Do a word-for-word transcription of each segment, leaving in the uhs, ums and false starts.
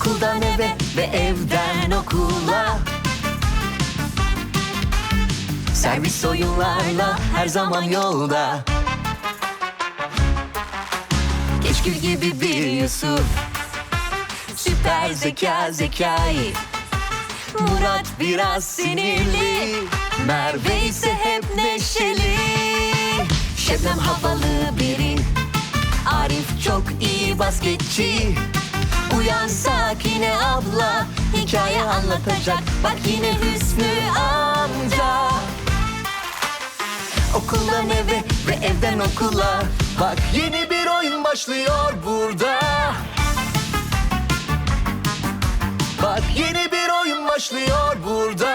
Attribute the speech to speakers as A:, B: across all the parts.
A: Okuldan eve ve evden okula. Servis oyunlarla her zaman yolda. Keşkül gibi bir Yusuf, süper zeka Zekai. Murat biraz sinirli, Merve ise hep neşeli. Şebnem havalı biri, Arif çok iyi basketçi. Uyan Sakine abla, hikaye anlatacak. Bak yine Hüsnü amca. Okuldan eve ve evden okula. Bak yeni bir oyun başlıyor burada. Bak yeni bir oyun başlıyor burada.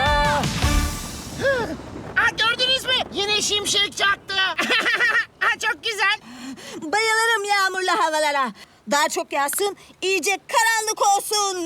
B: Ha, gördünüz mü? Yine şimşek çaktı. Ha, çok güzel.
C: Bayılırım yağmurlu havalara. Daha çok yağsın, iyice karanlık olsun.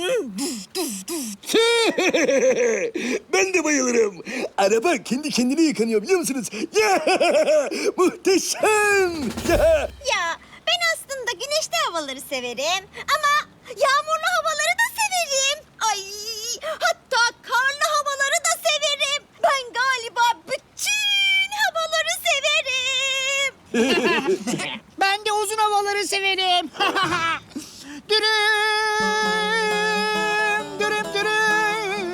D: Ben de bayılırım. Araba kendi kendine yıkanıyor biliyor musunuz? Ya, muhteşem. Ya.
C: Ya ben aslında güneşli havaları severim ama yağmurlu havaları da severim. Ay, hatta karlı havaları da severim. Ben galiba bütün havaları severim.
B: Ben de uzun havaları severim. Dürüm, dürüm, dürüm.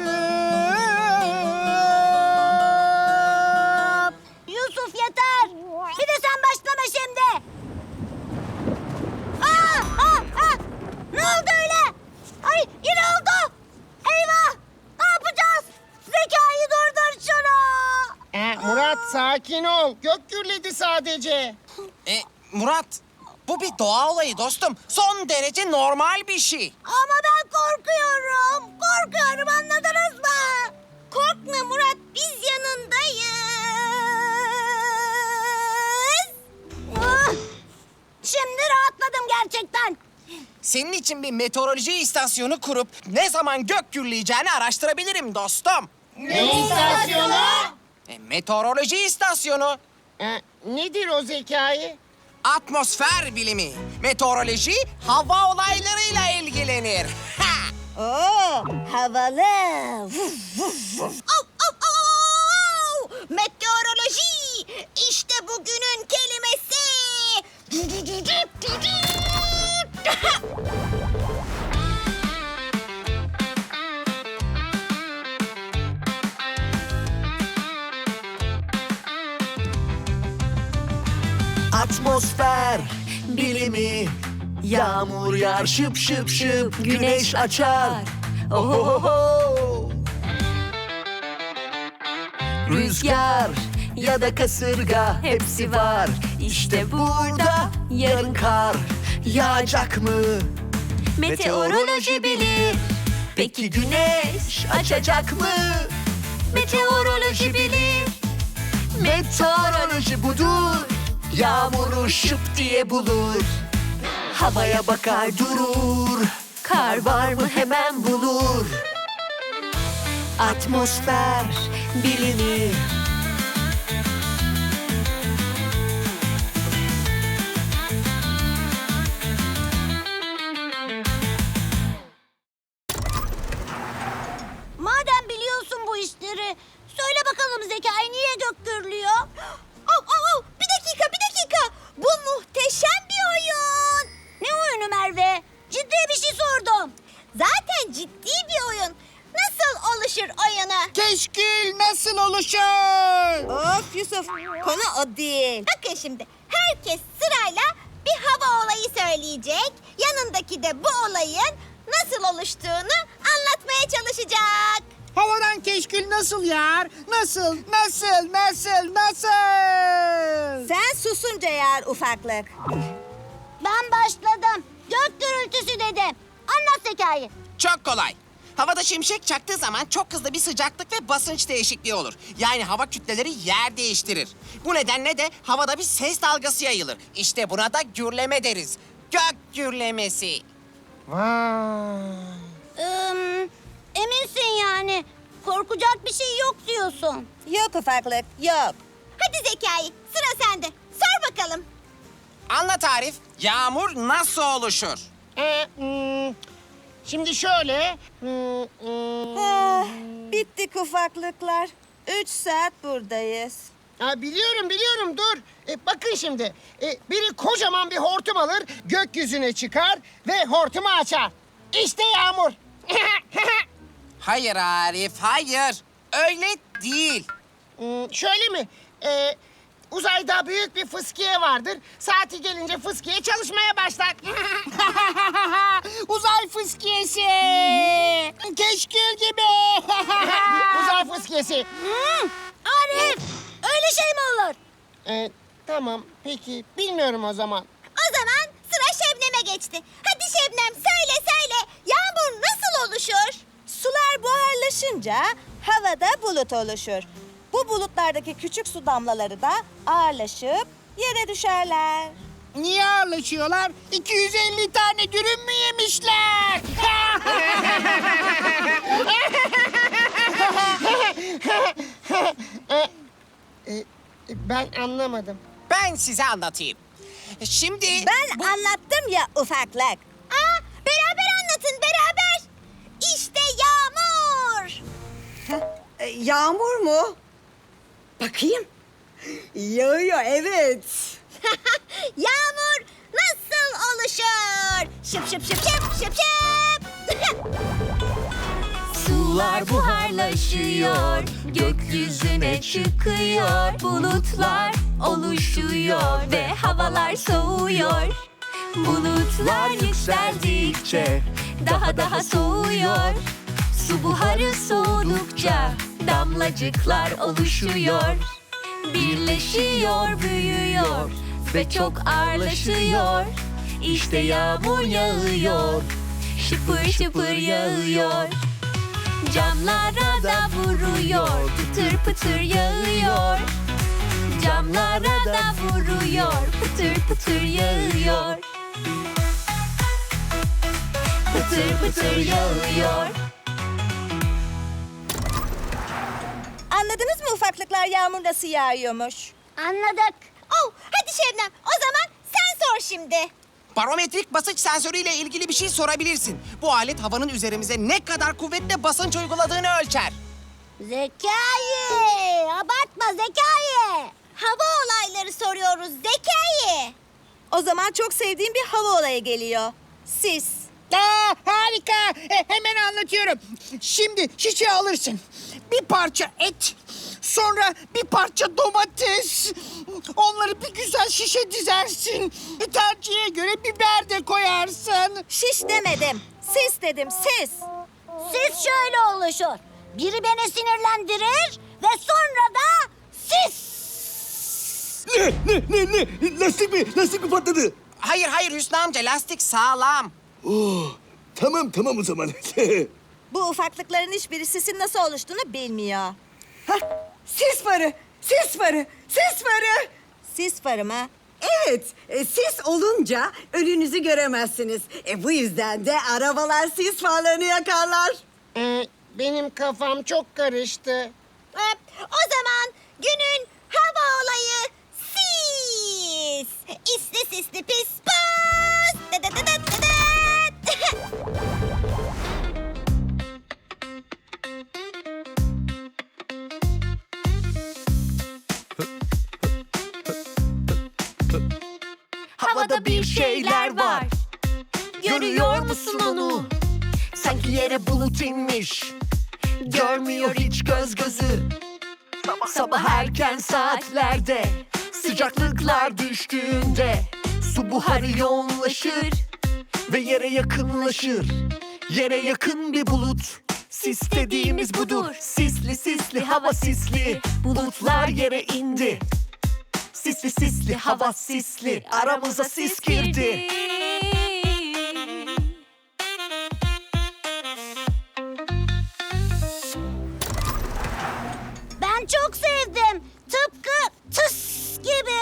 C: Yusuf yeter. Bir de sen başlama şimdi. Aa, aa, aa. Ne oldu öyle? Ay yine oldu. Eyvah. Ne yapacağız? Zekai durdur şunu.
B: Ee, Murat sakin ol. Gök gürledi sadece.
E: E, Murat, bu bir doğa olayı dostum. Son derece normal bir şey.
C: Ama ben korkuyorum. Korkuyorum, anladınız mı? Korkma Murat, biz yanındayız. Ah, şimdi rahatladım gerçekten.
E: Senin için bir meteoroloji istasyonu kurup ne zaman gök gürleyeceğini araştırabilirim dostum.
B: Ne istasyonu?
E: E, meteoroloji istasyonu.
B: Ee, nedir o Zekai?
E: Atmosfer bilimi. Meteoroloji hava olaylarıyla ilgilenir. Ha!
C: Oo, havalı. Vuf, vuf, vuf. Au, au, au! Meteoroloji. İşte bugünün kelimesi.
A: Atmosfer bilimi. Yağmur yağar şıp şıp şıp, güneş açar. Ohohoho. Rüzgar ya da kasırga hepsi var. İşte burada yarın kar yağacak mı? Meteoroloji bilir. Peki güneş açacak mı? Meteoroloji bilir. Meteoroloji budur. Yağmuru şıp diye bulur. Havaya bakar durur. Kar var mı hemen bulur. Atmosfer bilimi.
C: Madem biliyorsun bu işleri, söyle bakalım Zekai niye gök gürlüyor? Oh, oh, oh, bir dakika, bir dakika. Bu muhteşem bir oyun. Ne oyunu Merve? Ciddi bir şey sordum. Zaten ciddi bir oyun. Nasıl oluşur oyunu?
B: Keşkül nasıl oluşur?
C: Of Yusuf, konu o değil. Bakın şimdi, herkes sırayla bir hava olayı söyleyecek. Yanındaki de bu olayın nasıl oluştuğunu anlatmaya çalışacak.
B: Havadan keşkül nasıl yağar? Nasıl, nasıl, nasıl, nasıl?
C: Sen susunca yağar ufaklık. Ben başladım. Gök gürültüsü dedim. Anlat Zekai.
E: Çok kolay. Havada şimşek çaktığı zaman çok hızlı bir sıcaklık ve basınç değişikliği olur. Yani hava kütleleri yer değiştirir. Bu nedenle de havada bir ses dalgası yayılır. İşte buna da gürleme deriz. Gök gürlemesi.
B: Vay.
C: Ee, eminsin yani. Korkacak bir şey yok diyorsun. Yok ufaklık, yok. Hadi Zekai, sıra sende. Sor bakalım.
E: Anlat Arif, yağmur nasıl oluşur?
B: Ee, hmm, Şimdi şöyle. Hmm, hmm.
F: Ah, bittik ufaklıklar. Üç saat buradayız.
B: Ha, biliyorum biliyorum dur. E, bakın şimdi. E, biri kocaman bir hortum alır, gökyüzüne çıkar ve hortumu açar. İşte yağmur.
E: Hayır Arif, hayır. Öyle değil.
B: Hmm, şöyle mi? E, uzayda büyük bir fıskiye vardır. Saati gelince fıskiye çalışmaya başlar. Uzay fıskiyesi. Keşkül gibi. Uzay fıskiyesi.
C: Hmm, Arif, öyle şey mi olur?
B: E, tamam peki bilmiyorum o zaman.
C: O zaman sıra Şebnem'e geçti. Hadi Şebnem söyle söyle. Yağmur nasıl oluşur?
F: Sular buharlaşınca havada bulut oluşur. Bu bulutlardaki küçük su damlaları da ağırlaşıp yere düşerler.
B: Niye ağırlaşıyorlar? iki yüz elli tane dürüm mü yemişler? E, e, ben anlamadım.
E: Ben size anlatayım. Şimdi...
F: Ben anlattım ya ufaklık.
C: Aa, beraber anlatın beraber. İşte yağmur.
G: E, Yağmur mu? Bakayım. Yağıyor, evet.
C: Yağmur nasıl oluşur? Şıp şıp şıp şıp şıp şıp.
A: Sular buharlaşıyor, gökyüzüne çıkıyor, bulutlar oluşuyor ve havalar soğuyor. Bulutlar yükseldikçe daha daha soğuyor. Su buharı soğudukça damlacıklar oluşuyor. Birleşiyor, büyüyor ve çok ağırlaşıyor. İşte yağmur yağıyor, şıpır şıpır yağıyor. Camlara da vuruyor, pıtır pıtır yağıyor. Camlara da vuruyor, pıtır pıtır yağıyor. Pıtır pıtır yağıyor.
F: Anladınız mı ufaklıklar yağmur nasıl yağıyormuş?
C: Anladık. Oh, hadi Şebnem o zaman sen sor şimdi.
E: Barometrik basınç sensörüyle ilgili bir şey sorabilirsin. Bu alet havanın üzerimize ne kadar kuvvetle basınç uyguladığını ölçer.
C: Zekai, abartma Zekai. Hava olayları soruyoruz Zekai.
F: O zaman çok sevdiğim bir hava olayı geliyor. Sis.
B: Aa, harika. E, hemen anlatıyorum. Şimdi şişe alırsın. Bir parça et. Sonra bir parça domates. Onları bir güzel şişe dizersin. E, tercihe göre biber de koyarsın.
F: Şiş demedim. Sis dedim, sis.
C: Sis şöyle oluşur. Biri beni sinirlendirir ve sonra da sis.
D: Ne ne ne ne? Lastik mi? Lastik mi patladı?
E: Hayır hayır Hüsnü amca, lastik sağlam.
D: Oh, tamam tamam o zaman.
F: Bu ufaklıkların hiçbiri sisin nasıl oluştuğunu bilmiyor.
G: Hah, sis farı, sis farı, sis farı.
F: Sis farı mı?
G: Evet, e, sis olunca önünüzü göremezsiniz. E, bu yüzden de arabalar sis farlarını yakarlar.
B: E, benim kafam çok karıştı.
C: Hop, o zaman günün hava olayı sis. İsli sisli pis pis. Dı dı dı dı dı dı.
A: Havada bir şeyler var. Görüyor musun onu? Sanki yere bulut inmiş. Görmüyor hiç göz gözü. Sabah erken saatlerde sıcaklıklar düştüğünde su buharı yoğunlaşır ve yere yakınlaşır. Yere yakın bir bulut. Sis dediğimiz budur. Sisli sisli hava sisli. Bulutlar yere indi. Sisli sisli hava sisli. Aramıza sis girdi.
C: Ben çok sevdim. Tıpkı tıs gibi.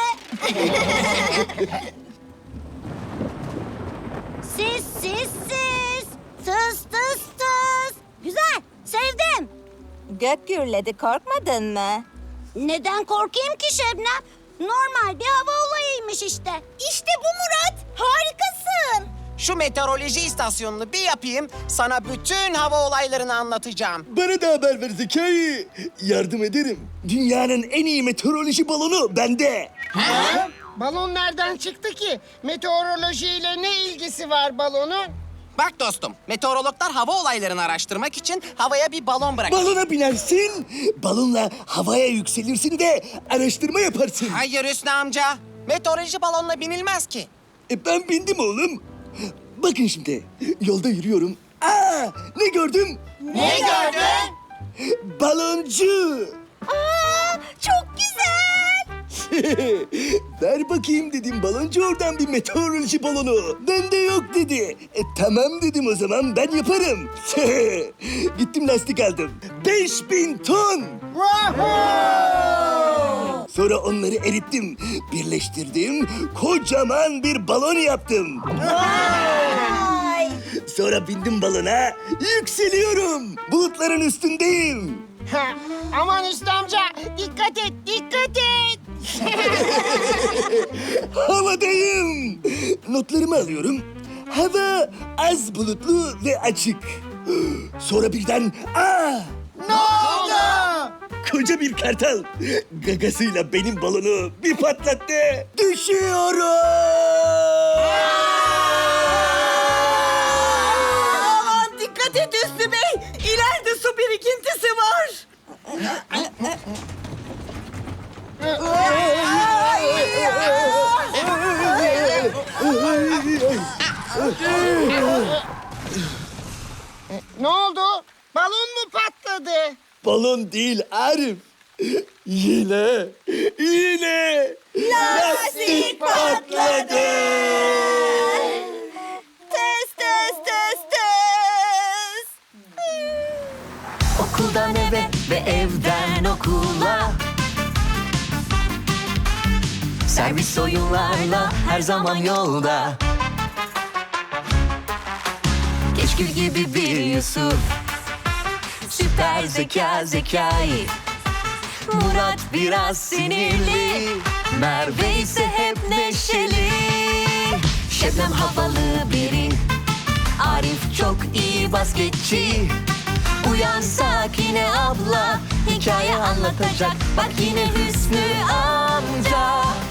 C: Sis sis sis. Tıs tıs tıs. Güzel. Sevdim.
F: Gök gürledi, korkmadın mı?
C: Neden korkayım ki Şebnem? Normal bir hava olayıymış işte. İşte bu Murat. Harikasın.
E: Şu meteoroloji istasyonunu bir yapayım, sana bütün hava olaylarını anlatacağım.
D: Bana da haber ver Zekai. Yardım ederim. Dünyanın en iyi meteoroloji balonu bende.
B: Balon nereden çıktı ki? Meteorolojiyle ne ilgisi var balonun?
E: Bak dostum, meteorologlar hava olaylarını araştırmak için havaya bir balon bırakır.
D: Balona binersin, balonla havaya yükselirsin de araştırma yaparsın.
E: Hayır Hüsnü amca, meteoroloji balonla binilmez ki.
D: E ben bindim oğlum. Bakın şimdi, yolda yürüyorum. Aa, ne gördüm?
C: Ne gördün?
D: Baloncu.
C: Aa, çok güzel.
D: Ver bakayım dedim baloncu oradan bir meteoroloji balonu. Bende yok dedi. E, tamam dedim o zaman ben yaparım. Gittim lastik aldım. Beş bin ton. Sonra onları erittim. Birleştirdim. Kocaman bir balon yaptım. Sonra bindim balona. Yükseliyorum. Bulutların üstündeyim.
B: Ha, aman Hüsnü amca dikkat et dikkat et.
D: Havadayım. Notlarımı alıyorum. Hava az bulutlu ve açık. Sonra birden aa!
B: Ne oldu?
D: Koca bir kartal gagasıyla benim balonu bir patlattı. Düşüyorum.
G: Aman dikkat et Hüsnü Bey. İleride su birikintisi var.
B: Ne oldu? Balon mu patladı?
D: Balon değil Arif. Yine, yine lastik patladı.
F: Test test test test.
A: Okuldan eve ve evden okula, servis oyunlarla her zaman yolda. Keşkül gibi bir Yusuf, süper zeka Zekai. Murat biraz sinirli, Merve ise hep neşeli. Şebnem havalı biri, Arif çok iyi basketçi. Uyansak yine abla, hikaye anlatacak. Bak yine Hüsnü amca.